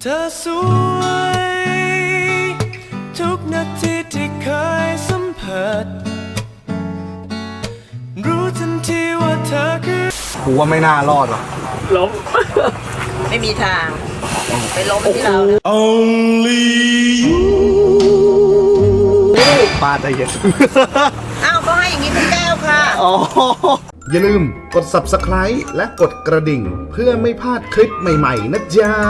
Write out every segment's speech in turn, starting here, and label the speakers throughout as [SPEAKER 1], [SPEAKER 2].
[SPEAKER 1] เธอสวยทุกนาทีที่เคยสัมผัสรู้ทันทีว่าเธอคือ
[SPEAKER 2] กูว่าไม่น่ารอดหรอก
[SPEAKER 3] ล้มไม่มีทางไปล้มที่เรา
[SPEAKER 1] Only you
[SPEAKER 2] ป้าใจเย็น
[SPEAKER 3] อ้าวก็ให้อย่างนี้ทุกแก้วค่ะ
[SPEAKER 2] อย่าลืมกด Subscribe และกดกระดิ่งเพื่อไม่พลาดคลิปใหม่ๆนะจ๊ะ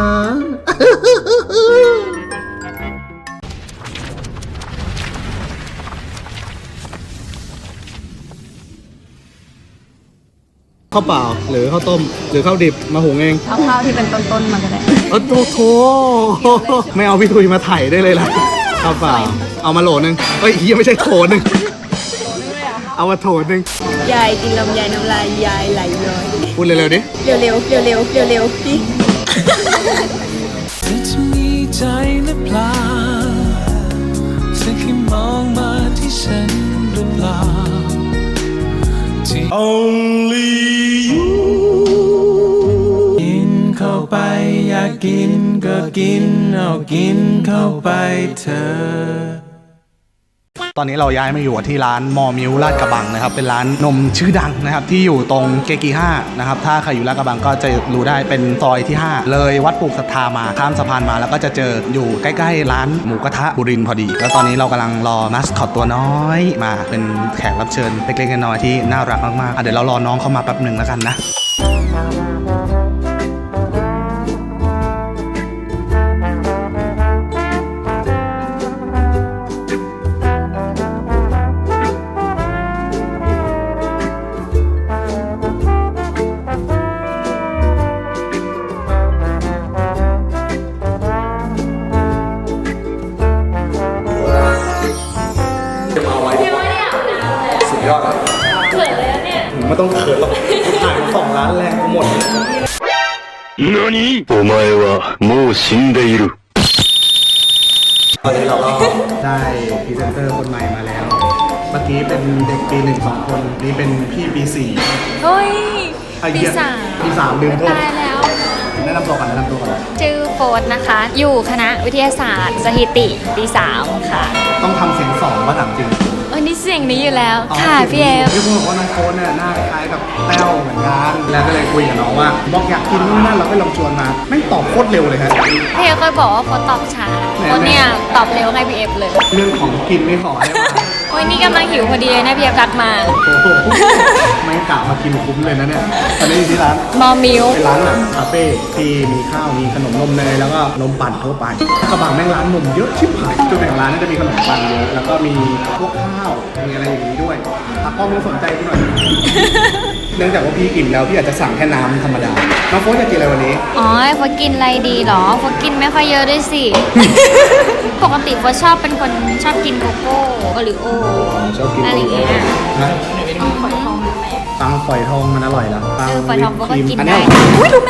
[SPEAKER 2] ข้าวเปล่าหรือข้าวต้มหรือข้าวดิบมาหุงเอง
[SPEAKER 4] เอาข้าวที่เป็นต้นๆมาก็ได้
[SPEAKER 2] โถไม่เอาพี่ทุยมาถ่ายได้เลยล่ะข้าวเปล่าเอามาโหลนึงเฮ้ยยังไม่ใช่โถนึงเอามาโถนึง
[SPEAKER 4] ยายกินลำไยน้ำลายยายไหลย้อย
[SPEAKER 2] พูดเร็วๆดิ
[SPEAKER 4] เร็วพี่
[SPEAKER 1] เธอจะมีใจหรือเปล่าเธอแค่มองมาที่ฉันหรือเปล่า Only you กินเข้าไปอยากกินก็กินเอากินเข้าไปเธอ
[SPEAKER 2] ตอนนี้เราย้ายมาอยู่ที่ร้านมอมิวลาดกระบังนะครับเป็นร้านนมชื่อดังนะครับที่อยู่ตรงเกกี5นะครับถ้าใครอยู่ลาดกระบังก็จะรู้ได้เป็นซอยที่5เลยวัดปลูกศรัทธามาข้ามสะพานมาแล้วก็จะเจออยู่ใกล้ๆร้านหมูกระทะบุรินทร์พอดีแล้วตอนนี้เรากำลังรอมัสคอตตัวน้อยมาเป็นแขกรับเชิญเล็กๆน้อยๆที่น่ารักมากๆเดี๋ยวเรารอน้องเข้ามาแป๊บหนึ่งแล้วกันนะยอดอะเขินเลยเนี่ยไม่ต้องเขินหรอกถ่ายมา2 ล้านแรงกูหมด何お前はもう死んでいるตอนนี้เราก็ได้พรีเซนเตอร์คนใหม่มาแล้วเมื่อกี้เป็นเด็กปี1 2 คนนี่เป็นพี่ปี4
[SPEAKER 4] เฮ้ยปี
[SPEAKER 2] 3ลืมโทษ
[SPEAKER 4] ตายแล้ว
[SPEAKER 2] แนะนำตัวก่อน
[SPEAKER 4] ชื่อโฟนนะคะอยู่คณะวิทยาศาสตร์สถิติปี3ค่ะ
[SPEAKER 2] ต้องทำเสียง2ว่าถามจริง
[SPEAKER 4] นี่เสียงนี้อยู่แล้วค่ะพี่เอฟ
[SPEAKER 2] พี่คุณบอกว่าน้องโฟนเนี่ยหน้าคล้ายกับแต้วเหมือนกันแล้วก็เลยคุยกับน้องว่าบอกอยากกินนู่นนั่นเราก็ลองชวนมาไม่ตอบโคตรเร็วเลยครับ
[SPEAKER 4] พี่เอฟเคยบอกว่าโฟนตอบช้าโฟนเนี่ยตอบเร็วให้พี่เอฟเลย
[SPEAKER 2] เรื่องของกินไม่ขอได้มา
[SPEAKER 4] โอ้ยนี่กำลังหิวพอดีเลยนะพี่เอฟทักมา
[SPEAKER 2] โอ้โหไม่กะมากินคุ้มเลยนะเนี่ยตอนนี้อยู่ที่ร้าน
[SPEAKER 4] มอมิว
[SPEAKER 2] เป็นร้านแบบคาเฟ่ที่มีข้าวมีขนมนมเนยแล้วก็นมปั่นทั่วไปกระบังแม่งร้านนมเยอะชิบหายจุดแบ่งร้านนี่จะมีขนมปั่นเยอะแล้วก็มีพวกข้าวมีอะไรอย่างนี้ด้วยตากล้องต้องสนใจกูหน่อยเนื่องจากว่าพี่อิ่มแล้วพี่อาจจะสั่งแค่น้ำธรรมดาน้องโฟนจะกินอะไรวันนี้
[SPEAKER 4] อ๋อโฟนกินอะไรดีหรอโฟนกินไม่ค่อยเยอะด้วยสิ ปกติโฟนชอบเป็นคนชอบกินโกโก้โอริโอ
[SPEAKER 2] ชอบกิน
[SPEAKER 4] อะไรอย่างเงี้ย
[SPEAKER 2] ปังฝอยทองมันอร่อยแล้วปัง
[SPEAKER 4] ฝอยทองโฟนก็กินได้อุ้ยรู้ไหม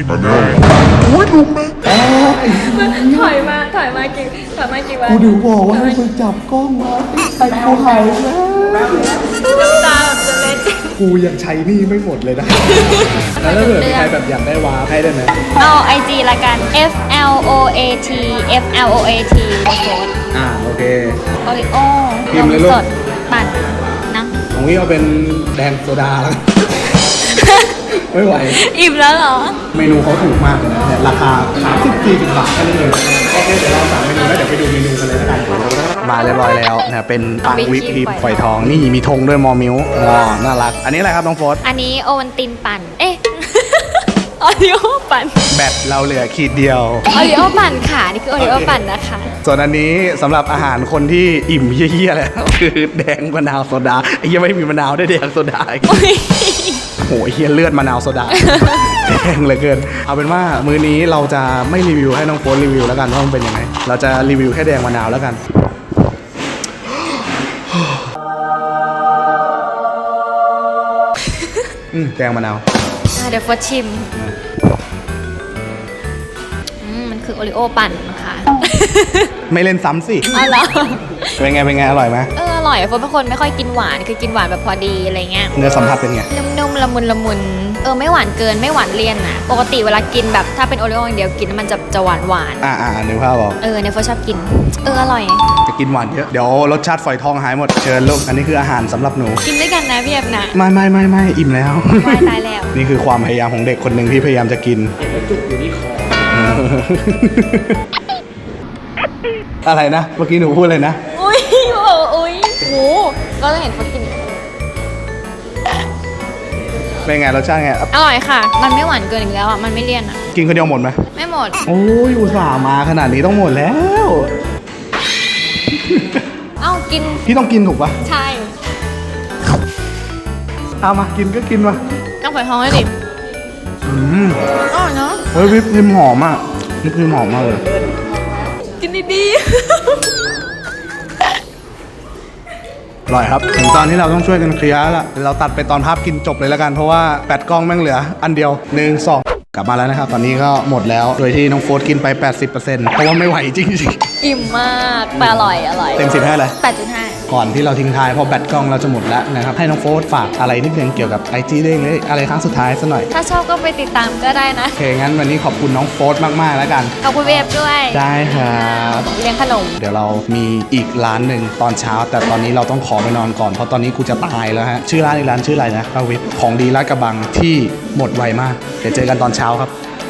[SPEAKER 4] ถอยมากี่วัน
[SPEAKER 2] กูดูบอกว่าให้มึงจับกล้องมาไอ้กูหายแล้ว
[SPEAKER 4] น้ำตาแบบจะเล็ด
[SPEAKER 2] กูยังใช้นี่ไม่หมดเลยนะแล้วถ้าเกิดมีใครแบบอยากได้วาร์ปให้ได้ไหม
[SPEAKER 4] เอา IG ละกัน FLOAT โฟน
[SPEAKER 2] โอเค
[SPEAKER 4] โอริโอ
[SPEAKER 2] พิมพ์เลยลูก
[SPEAKER 4] สดปั่นนะ
[SPEAKER 2] ของพี่เอาเป็นแดงโซดาแล้วไม่ไหว
[SPEAKER 4] อิ่มแล้วเหรอ
[SPEAKER 2] เมนูเขาถูกมากเลยนะราคา30-40 บาทแค่นั้นเองโอเคเดี๋ยวเราสั่งเมนูแล้วเดี๋ยวไปดูเมนูกันเลยแล้วกันมาเรียบร้อยแล้วนะเป็นปังวิปครีมฝอยทองนี่มีธงด้วยมอมิวน่ารักอันนี้อะไรครับน้องโฟส
[SPEAKER 4] อันนี้โอวัลตินปั่นโอริโอปั่น
[SPEAKER 2] แบตเราเหลือขีดเดียว
[SPEAKER 4] โอริโอปั่นค่ะนี่คือโอริโอปั่นนะคะ
[SPEAKER 2] ส่วนอันนี้สำหรับอาหารคนที่อิ่มเยี่ยๆแล้วคือแดงมะนาวโซดายังไม่มีมะนาวได้แดงโซดาโหเฮียเลือดมะนาวโซดาแดงเหลือเกินเอาเป็นว่ามื้อนี้เราจะไม่รีวิวให้น้องโฟนรีวิวแล้วกันว่ามันเป็นยังไงเราจะรีวิวแค่แดงมะนาวแล้วกันแดงมะนาว
[SPEAKER 4] เดี๋ยวโฟนชิมมันคือโอริโอปั่นนะคะ
[SPEAKER 2] ไม่เล่นซ้ำสิ
[SPEAKER 4] อ๋อเหรอ
[SPEAKER 2] เป็นไงอร่อยไหม
[SPEAKER 4] อร่อยเพราะเป็นคนไม่ค่อยกินหวานคือกินหวานแบบพอดีอะไรเงี้ย
[SPEAKER 2] เนื้อสัมผัสเป็นไง
[SPEAKER 4] นุ่มๆละมุนไม่หวานเกินไม่หวานเลี่ยนนะปกติเวลากินแบบถ้าเป็นโอรีโออย่างเดียวกินแล้วมันจะหวาน
[SPEAKER 2] นึกภาพบอก
[SPEAKER 4] เนี่ยเฟิร์สชอบกินอร่อย
[SPEAKER 2] จะกินหวานเยอะเดี๋ยวรสชาติฝอยทองหายหมดเชิญลูกอันนี้คืออาหารสำหรับหนู
[SPEAKER 4] กินด้วยกันนะพี่แอบนะ
[SPEAKER 2] ไม่อิ่มแล้ว
[SPEAKER 4] วายตายแล้ว
[SPEAKER 2] นี่คือความพยายามของเด็กคนหนึ่งที่พยายามจะกินจุกอยู่ที่คอ อะไรนะเมื่อกี้หนูพูดเลยนะ
[SPEAKER 4] อุ้ยโหก็จะเห็นเขากิน
[SPEAKER 2] เป็นไงรสชาติไง
[SPEAKER 4] อร่อยค่ะ มันไม่หวานเกินอีกแล้วอ่ะมันไม่เลี่ยนอ่ะ
[SPEAKER 2] กินคนเดียวหมดไหม
[SPEAKER 4] ไม่หมด
[SPEAKER 2] โอ้ยอุตส่าห์มาขนาดนี้ต้องหมดแล้ว
[SPEAKER 4] เอ้ากิน
[SPEAKER 2] พี่ต้องกินถูกปะ
[SPEAKER 4] ใช่
[SPEAKER 2] เอามากินก็กินมา
[SPEAKER 4] ต้องฝอยทองเลยดิอร่อยเนาะ
[SPEAKER 2] เฮ้ยวิปครีมหอมอ่ะวิปครีมหอมมากเลย
[SPEAKER 4] กินดี
[SPEAKER 2] อร่อยครับถึงตอนที่เราต้องช่วยกันเคลียร์แล้วล่ะเราตัดไปตอนภาพกินจบเลยแล้วกันเพราะว่าแปดกล้องแม่งเหลืออันเดียว1 2กลับมาแล้วนะครับตอนนี้ก็หมดแล้วโดยที่น้องโฟร์กินไป 80%เพราะว่าไม่ไหวจริง
[SPEAKER 4] ๆอิ่มมากแต่อร่อย
[SPEAKER 2] ๆเต็ม10ให้เลย
[SPEAKER 4] 8.5
[SPEAKER 2] ก่อนที่เราทิ้งท้ายเพราะแบตกล้องเราจะหมดแล้วนะครับให้น้องโฟร์ฝากอะไรนิดนึงเกี่ยวกับ IG เด้งเลยอะไรครั้งสุดท้ายซะหน่อย
[SPEAKER 4] ถ้าชอบก็ไปติดตามก็ได้นะ
[SPEAKER 2] โอเคงั้นวันนี้ขอบคุณน้องโฟร์มากๆแล้วกัน
[SPEAKER 4] ขอบคุณเวฟด้วย
[SPEAKER 2] ได้ครับ
[SPEAKER 4] เลี้ยงขนม
[SPEAKER 2] เดี๋ยวเรามีอีกร้านหนึ่งตอนเช้า แต่ตอนนี้เราต้องขอไปนอนก่อนเพราะตอนนี้กูจะตายแล้วฮะชื่อร้านอีกร้านชื่ออะไรนะป้าวิทย์ของดีลาดกระบังที่หมดไวมากเดี๋ยวเจอกันตอนเช้าครับ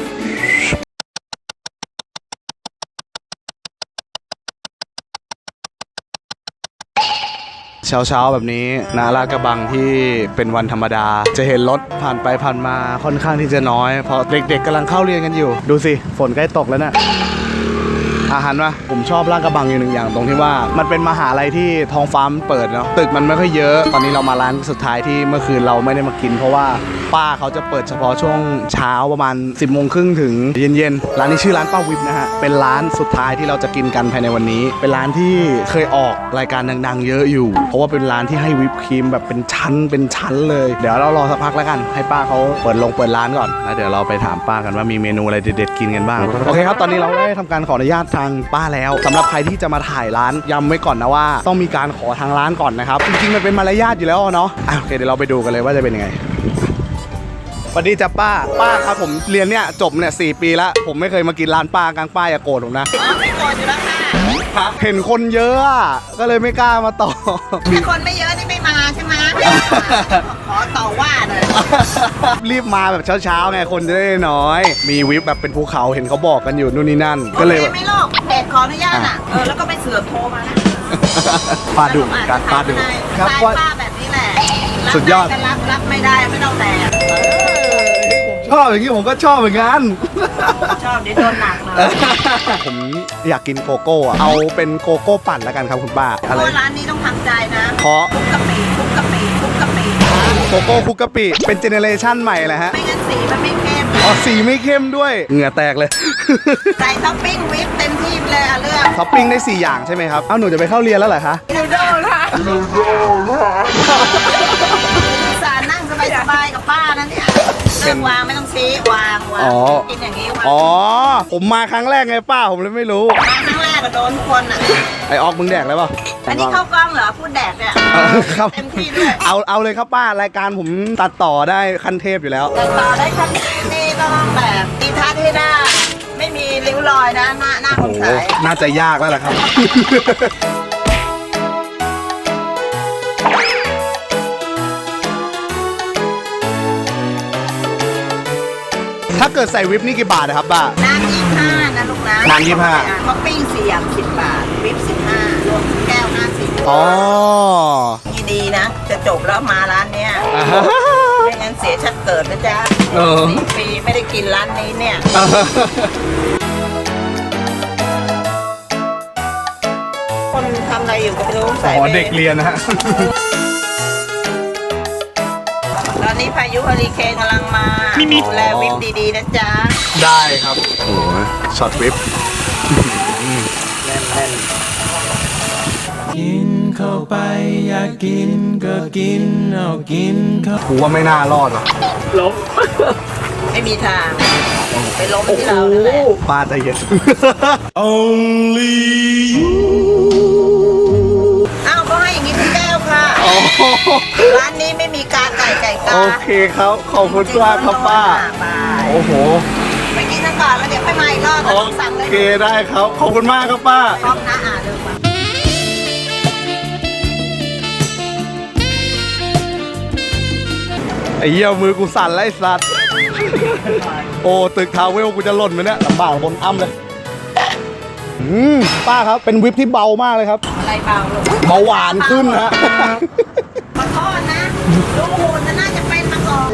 [SPEAKER 2] เช้าๆแบบนี้นาลาดกระบังที่เป็นวันธรรมดาจะเห็นรถผ่านไปผ่านมาค่อนข้างที่จะน้อยเพราะเด็กๆกำลังเข้าเรียนกันอยู่ดูสิฝนใกล้ตกแล้วนะอาหารวะผมชอบลาดกระบังอยู่หนึ่งอย่างตรงที่ว่ามันเป็นมหาลัยที่ท้องฟ้ามันเปิดเนาะตึกมันไม่ค่อยเยอะตอนนี้เรามาร้านสุดท้ายที่เมื่อคืนเราไม่ได้มากินเพราะว่าป้าเขาจะเปิดเฉพาะช่วงเช้าประมาณ 10:30 ถึงเย็นๆร้านนี้ชื่อร้านป้าวิบนะฮะเป็นร้านสุดท้ายที่เราจะกินกันภายในวันนี้เป็นร้านที่เคยออกรายการดังๆเยอะอยู่เพราะว่าเป็นร้านที่ให้วิปครีมแบบเป็นชั้นเลยเดี๋ยวเรารอสักพักแล้วกันให้ป้าเขาเปิดร้านก่อนแล้วเดี๋ยวเราไปถามป้ากันว่ามีเมนูอะไรเด็ดๆกินกันบ้างโอเคครับตอนนี้เราได้ทำการขออนุญาตทางป้าแล้วสำหรับใครที่จะมาถ่ายร้านย้ำไว้ก่อนนะว่าต้องมีการขอทางร้านก่อนนะครับจริงๆมันเป็นมารยาทอยู่แล้วเนาะโอเคเดี๋ยวเราไปดูกันเลยว่าจะเป็นยังไงสวัสดีจ้ะป้าครับผมเรียนเนี่ยจบเนี่ย4 ปีแล้วผมไม่เคยมากินร้านป้ากลางป้าอย่าโกรธผมนะ
[SPEAKER 3] ไม่โกรธอยู่แล้วค่ะ
[SPEAKER 2] เห็นคนเยอะอะก็เลยไม่กล้ามาต่อ
[SPEAKER 3] ถ้าคนไม่เยอะนี่ไม่มาใช่ไหมขอต่อว่าหน่อย
[SPEAKER 2] รีบมาแบบเช้าๆไงคนจะได้น้อยมีวิปแบบเป็นภูเขาเห็นเขาบอกกันอยู่นู่นนี่นั่นก็เลย
[SPEAKER 3] ไม่โลกเพจขออนุญาตอ่ะแล้วก็ไม่เสือกโทรมานะ
[SPEAKER 2] ป้าดูการป้าดูครับว่า
[SPEAKER 3] ป้าแบบนี้แหละ
[SPEAKER 2] สุดยอด
[SPEAKER 3] รับไม่ได้ไม่ต้องแต่
[SPEAKER 2] ชอบอย่างนี้ผมก็ชอบเหมือนกัน
[SPEAKER 3] ชอบเดี๋ยวโดนหนักเลย
[SPEAKER 2] ผมอยากกินโกโก้อะเอาเป็นโกโก้ปั่นแล้วกันครับคุณป้า
[SPEAKER 3] เพ
[SPEAKER 2] อะไร
[SPEAKER 3] ราะร้านนี้ต้องทำใจนะ
[SPEAKER 2] เพราะ
[SPEAKER 3] คุกกะปิคุกกะปิคุกกะปิ
[SPEAKER 2] โกโก้คุกกะปิเป็นเจเนเรชันใหม่แหละฮะ
[SPEAKER 3] ไม่งั้นสีมันไม่เข้ม
[SPEAKER 2] อ๋อสีไม่เข้มด้วยเหงื่อแตกเลย
[SPEAKER 3] ใส่ท็อปปิ้งวิปเต็มที่ไปเลยอ่ะเลือก
[SPEAKER 2] ท็อปปิ้งได้4 อย่างใช่ไหมครับเอ้าหนูจะไปเข้าเรียนแล้วเหรอคะ
[SPEAKER 3] นูโดลค่ะสารนั่งสบายๆกับป้านะเนี่ยเรื่องวางไม่ต้องชี้วางกินอย่างนี้วาง
[SPEAKER 2] อ๋อผมมาครั้งแรกไงป้าผมเลยไม่รู้
[SPEAKER 3] มาครั้งแรกก็โดนทุกคนอ่ะ
[SPEAKER 2] ไอออกมึงแดกแล้วเปล่า
[SPEAKER 3] อันนี้เข้ากล้องเหรอพูดแดกเนี่ย
[SPEAKER 2] ครับ
[SPEAKER 3] เต็มที่ด้วย
[SPEAKER 2] เอาเลยครับป้ารายการผมตัดต่อได้ขั้นเทพอยู่แล้ว
[SPEAKER 3] แต่ต่อได้ขั้นนี้ก็ต้องแบบตีทัดให้หน้าไม่มีริ้วรอยนะหน้าคนขาย
[SPEAKER 2] น่าจะยากแล้วล่ะครับ ถ้าเกิดใส่วิปนี่กี่บาทนะครับป้า
[SPEAKER 3] น้ำ25นะลูกนะ
[SPEAKER 2] น้ำ25
[SPEAKER 3] ท็อปปิ้ง4 อย่าง10 บาทวิป15รวมแก้ว50
[SPEAKER 2] อ๋อ
[SPEAKER 3] นี่ดีนะ จะจบแล้วมาร้านเนี้ยไม่งั้นเสียชัดเกิดนะจ๊ะ 4 ปีไม่ได้กินร้านนี้เนี่ยคนทำอะไรอยู่ก็ไม่รู้ใส่
[SPEAKER 2] อ๋อเด็กเรียนนะฮะ
[SPEAKER 3] ตอนนี้พายุเฮอริเคนกำลังมาดูแลวิปดีๆนะจ๊ะ
[SPEAKER 2] ได้ครับโอ้โหช็อตวิปแน่น
[SPEAKER 1] กินเข้าไปอยากกินก็กินเอากินเข้า
[SPEAKER 2] ๆกูว่าไม่น่ารอดหรอก
[SPEAKER 3] ไม่มีทาง ไปล้มที่เรานั่นแหละ
[SPEAKER 2] ป้าใจเย็น
[SPEAKER 1] Only you
[SPEAKER 3] อ้าวก็ให้อย่างนี้ทุกร้านนี้ไม่มีกาไก่ไก่กา
[SPEAKER 2] โอเคครับขอบคุณมากครับป้า
[SPEAKER 3] ไป
[SPEAKER 2] โอ้โห
[SPEAKER 3] ไปกินซะก่อนแล้วเดี๋ยวค่อยมาอีกรอบ
[SPEAKER 2] โอ
[SPEAKER 3] ต้องสั่งเลย
[SPEAKER 2] เคได้ครับขอบคุณมากครับป้า
[SPEAKER 3] พร้อมนะเดินมา
[SPEAKER 2] ไอ้เหี้ยมือกูสั่นแล้วไอ้สัตว์ โอ้ตึกทาวเวลกูจะหล่นไหมเนี่ยลำบากบนอ้ำเลยป้าครับเป็นวิปที่เบามากเลยครับ
[SPEAKER 3] อะไรเบาลูก
[SPEAKER 2] เบาหวานขึ้นฮะ
[SPEAKER 3] ขอโทษนะดูหุ่นน่าจะเป็นมาก่อน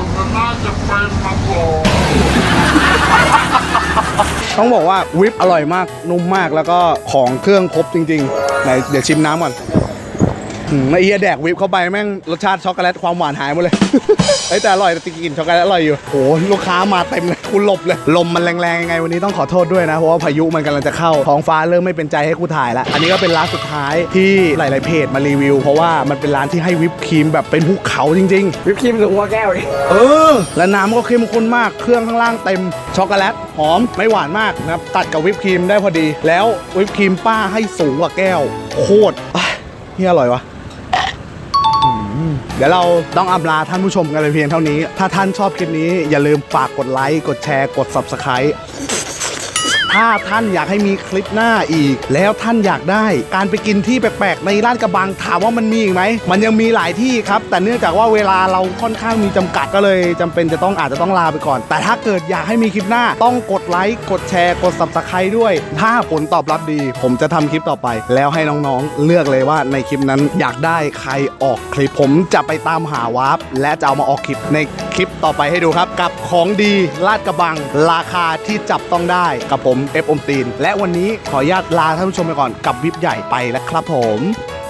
[SPEAKER 2] ต้องบอกว่าวิปอร่อยมากนุ่มมากแล้วก็ของเครื่องครบจริงๆไหนเดี๋ยวชิมน้ำก่อนไอ้เหี้ยแดกวิปเข้าไปแม่งรสชาติช็อกโกแลตความหวานหายหมดเลย เฮ้ยแต่อร่อยแต่กินช็อกโกแลตอร่อยอยู่โหลูกค้ามาเต็มเลยกูหลบเลยลมมันแรงๆยังไงวันนี้ต้องขอโทษด้วยนะเพราะว่าพายุมันกำลังจะเข้าท้องฟ้าเริ่มไม่เป็นใจให้กูถ่ายแล้วอันนี้ก็เป็นร้านสุดท้ายที่หลายๆเพจมารีวิวเพราะว่ามันเป็นร้านที่ให้วิปครีมแบบเป็นภูเขาจริงๆ
[SPEAKER 5] วิปครีมสูงกว่าแก้วดิ
[SPEAKER 2] และน้ำก็เข้มข้นมากเครื่องข้างล่างเต็มช็อกโกแลตหอมไม่หวานมากนะครับตัดกับวิปครีมได้พอดี แล้ววิปครีมป้าให้สูงกว่าแก้วโคตรนี่อร่อยวะเดี๋ยวเราต้องอำลาท่านผู้ชมกันไปเพียงเท่านี้ ถ้าท่านชอบคลิปนี้อย่าลืมฝากกดไลค์กดแชร์กด Subscribe ถ้าท่านอยากให้มีคลิปหน้าอีก แล้วท่านอยากได้การไปกินที่แปลกๆในลาดกระบังถามว่ามันมีอีกไหมมันยังมีหลายที่ครับแต่เนื่องจากว่าเวลาเราค่อนข้างมีจำกัดก็เลยจำเป็นจะต้องอาจจะต้องลาไปก่อนแต่ถ้าเกิดอยากให้มีคลิปหน้าต้องกดไลค์กดแชร์กด Subscribe ด้วยถ้าผลตอบรับดี ผมจะทำคลิปต่อไป แล้วให้น้องๆเลือกเลยว่าในคลิปนั้นอยากได้ใครออกคลิปผมจะไปตามหาวาร์ปและจะเอามาออกคลิปในคลิปต่อไปให้ดูครับกับของดีลาดกระบังราคาที่จับต้องได้กับผมเอฟอมตีนและวันนี้ขออนุญาตลาท่านผู้ชมไปก่อนกับวิปใหญ่ไปแล้วครับผม